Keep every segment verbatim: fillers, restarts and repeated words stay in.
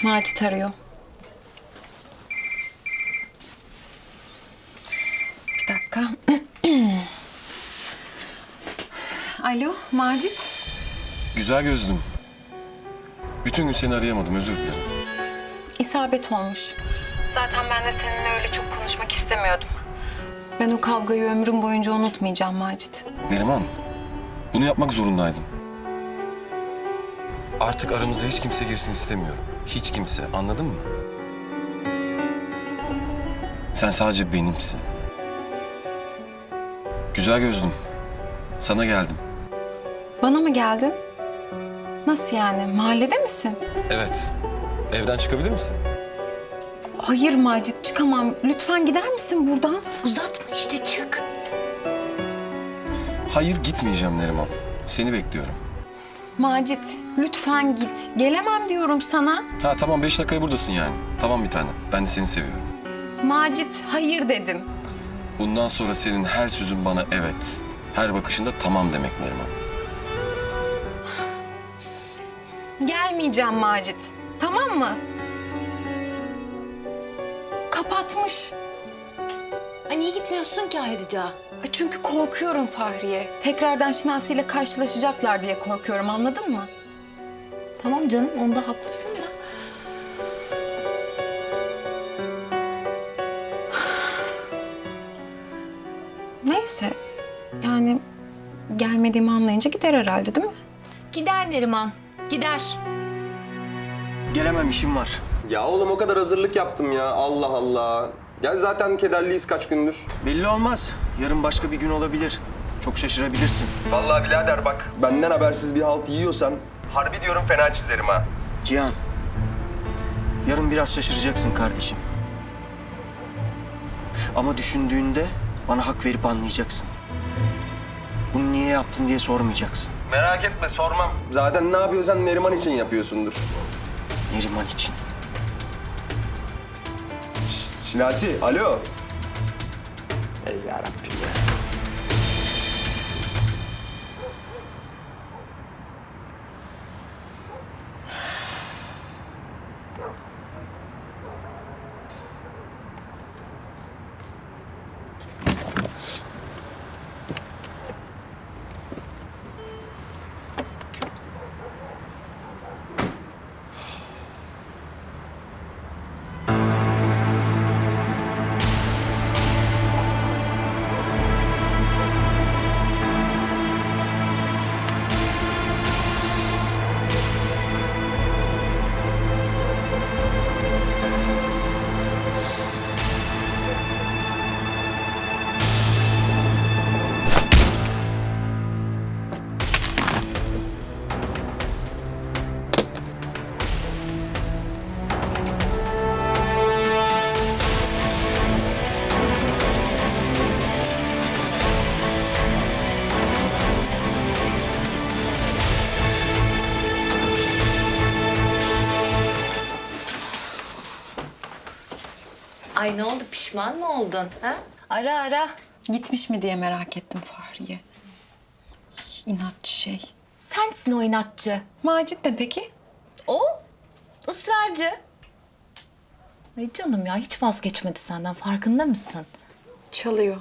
Macit arıyor. Bir dakika. Alo, Macit. Güzel gözlüm. Bütün gün seni arayamadım, özür dilerim. İsabet olmuş. Zaten ben de seninle öyle çok konuşmak istemiyordum. Ben o kavgayı ömrüm boyunca unutmayacağım Macit. Neriman, bunu yapmak zorundaydım. Artık aramıza hiç kimse girsin istemiyorum. Hiç kimse, anladın mı? Sen sadece benimsin. Güzel gözlüm, sana geldim. Bana mı geldin? Nasıl yani? Mahallede misin? Evet, evden çıkabilir misin? Hayır Macit, çıkamam. Lütfen gider misin buradan? Uzatma işte, çık. Hayır, gitmeyeceğim Neriman. Seni bekliyorum. Macit, lütfen git. Gelemem diyorum sana. Ha tamam, beş dakikaya buradasın yani. Tamam bir tane, ben de seni seviyorum. Macit, hayır dedim. Bundan sonra senin her sözün bana evet, her bakışında tamam demek Neriman. Gelmeyeceğim Macit. Tamam mı? Kapatmış. Ay niye gitmiyorsun ki ayrıca? E Çünkü korkuyorum Fahriye. Tekrardan Şinasi ile karşılaşacaklar diye korkuyorum, anladın mı? Tamam canım, onda haklısın da. Neyse. Yani gelmediğimi anlayınca gider herhalde, değil mi? Gider Neriman, gider. Gelemem, işim var. Ya oğlum o kadar hazırlık yaptım ya. Allah Allah. Ya zaten kederliyiz kaç gündür. Belli olmaz. Yarın başka bir gün olabilir. Çok şaşırabilirsin. Vallahi birader bak. Benden habersiz bir halt yiyorsan harbi diyorum fena çizerim ha. Cihan, yarın biraz şaşıracaksın kardeşim. Ama düşündüğünde bana hak verip anlayacaksın. Bunu niye yaptın diye sormayacaksın. Merak etme sormam. Zaten ne yapıyorsan Neriman için yapıyorsundur. Neriman için. Şinasi, alo. Ey yarabbim ya. Ay ne oldu, pişman mı oldun? Ha? Ara ara. Gitmiş mi diye merak ettim Fahriye. İnatçı şey. Sensin o inatçı. Macit ne peki? O ısrarcı. Ay canım ya, hiç vazgeçmedi senden, farkında mısın? Çalıyor.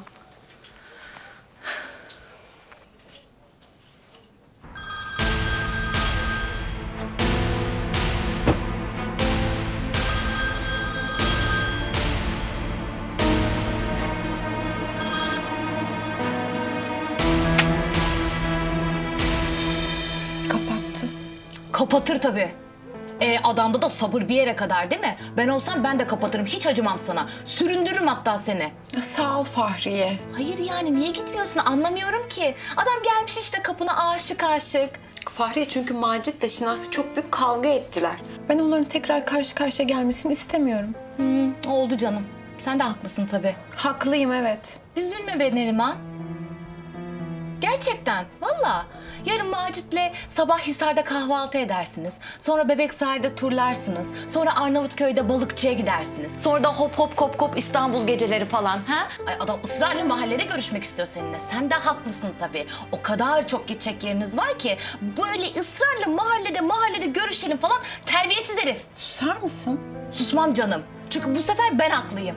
Kapattı. Kapatır tabii. E, adamda da sabır bir yere kadar değil mi? Ben olsam ben de kapatırım, hiç acımam sana. Süründürürüm hatta seni. Ya sağ ol Fahriye. Hayır yani niye gitmiyorsun anlamıyorum ki. Adam gelmiş işte kapına aşık aşık. Fahriye çünkü Macit'le Şinasi çok büyük kavga ettiler. Ben onların tekrar karşı karşıya gelmesini istemiyorum. Hmm, oldu canım. Sen de haklısın tabii. Haklıyım evet. Üzülme be Neriman. Gerçekten, valla. Yarın Macit'le sabah Hisar'da kahvaltı edersiniz. Sonra Bebek Sahil'de turlarsınız. Sonra Arnavutköy'de balıkçıya gidersiniz. Sonra da hop hop kop kop İstanbul geceleri falan. Ha? Ay adam ısrarla mahallede görüşmek istiyor seninle. Sen de haklısın tabii. O kadar çok gidecek yeriniz var ki böyle ısrarla mahallede mahallede görüşelim falan, terbiyesiz herif. Sus Susar mısın? Susmam canım. Çünkü bu sefer ben haklıyım.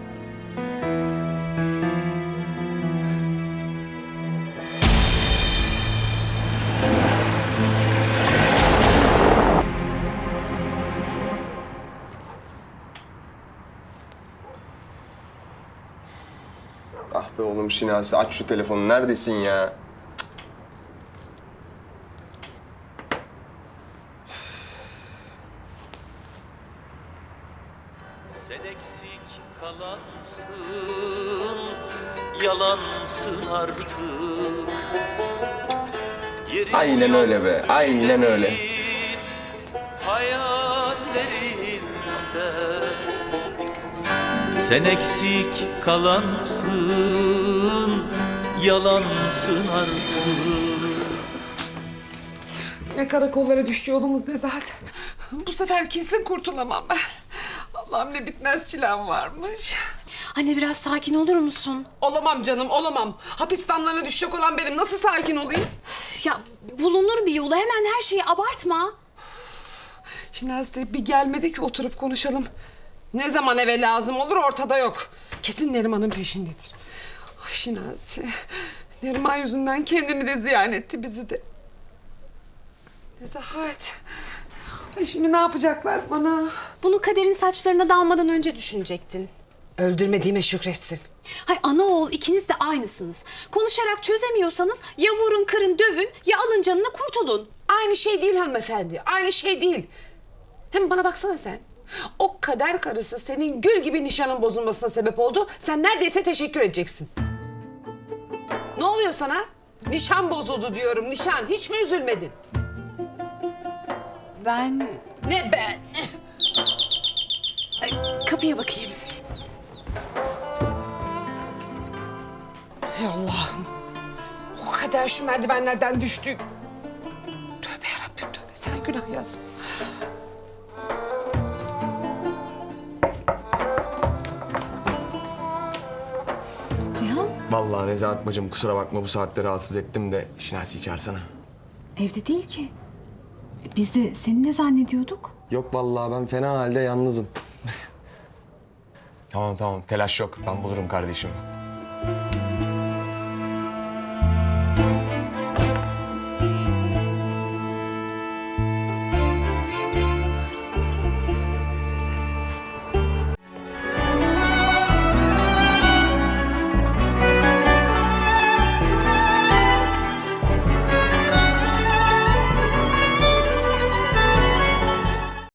Ah be oğlum Şinasi, aç şu telefonu. Neredesin ya? Sen eksik kalansın, yalansın artık. Yerin Aynen öyle be, aynen öyle. Hayallerinde sen eksik kalansın, yalansın artık. Yine karakollara düştü yolumuz Nezahat. Bu sefer kesin kurtulamam ben. Allah'ım ne bitmez çilem varmış. Anne biraz sakin olur musun? Olamam canım, olamam. Hapis damlarına düşecek olan benim. Nasıl sakin olayım? Ya bulunur bir yolu. Hemen her şeyi abartma. Şinasi bir gelmedi ki oturup konuşalım. Ne zaman eve lazım olur ortada yok. Kesin Neriman'ın peşindedir. Ay Şinasi. Neriman yüzünden kendini de ziyan etti, bizi de. Nezahat. Ay şimdi ne yapacaklar bana? Bunu kaderin saçlarına dalmadan önce düşünecektin. Öldürmediğime şükretsin. Hay ana oğul ikiniz de aynısınız. Konuşarak çözemiyorsanız ya vurun kırın dövün ya alın canını kurtulun. Aynı şey değil hanımefendi. Aynı şey değil. Hem bana baksana sen. O kader karısı senin gül gibi nişanın bozulmasına sebep oldu. Sen neredeyse teşekkür edeceksin. Ne oluyor sana? Nişan bozuldu diyorum, nişan. Hiç mi üzülmedin? Ben Ne ben? kapıya bakayım. Ey Allah'ım. O kadar şu merdivenlerden düştük. Tövbe yarabbim tövbe. Sen günah yazma. Cihan Vallahi Nezahat bacım kusura bakma bu saatte rahatsız ettim de Şinasi'yi çağırsana. evde değil ki. Biz de seni ne zannediyorduk? Yok vallahi ben fena halde yalnızım. Tamam tamam telaş yok ben bulurum kardeşim.